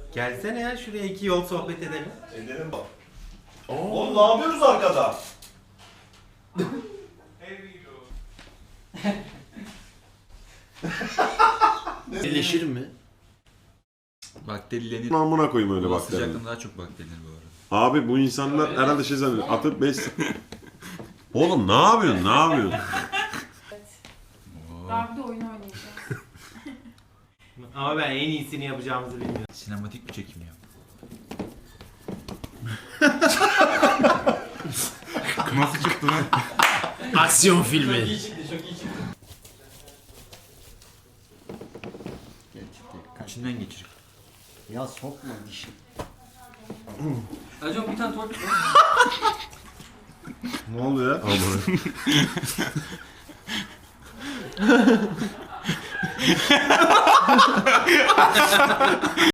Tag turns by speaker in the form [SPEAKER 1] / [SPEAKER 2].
[SPEAKER 1] Gelsene ya şuraya 2 yol sohbet edelim.
[SPEAKER 2] Edelim bak. Oğlum ne yapıyoruz arkada?
[SPEAKER 3] Birleşir mi?
[SPEAKER 4] Bakterilenir.
[SPEAKER 5] Amına koyayım öyle
[SPEAKER 4] Hava
[SPEAKER 5] bakteri.
[SPEAKER 4] sıcaklığında daha çok bakterilenir bu arada.
[SPEAKER 5] Abi bu insanlar herhalde şey zannediyor. Atıp 5... Oğlum ne yapıyorsun? Ne yapıyorsun?
[SPEAKER 6] Daha bir de oyun oynayacağız.
[SPEAKER 1] Ama ben en iyisini yapacağımızı bilmiyorum.
[SPEAKER 4] Sinematik bir çekim ya. Nasıl çıktı lan?
[SPEAKER 3] Aksiyon filmi.
[SPEAKER 4] İçinden geçir.
[SPEAKER 3] Ya sokma dişi.
[SPEAKER 7] Acaba bir tane tuvalet
[SPEAKER 5] Ne oldu ya? Amına.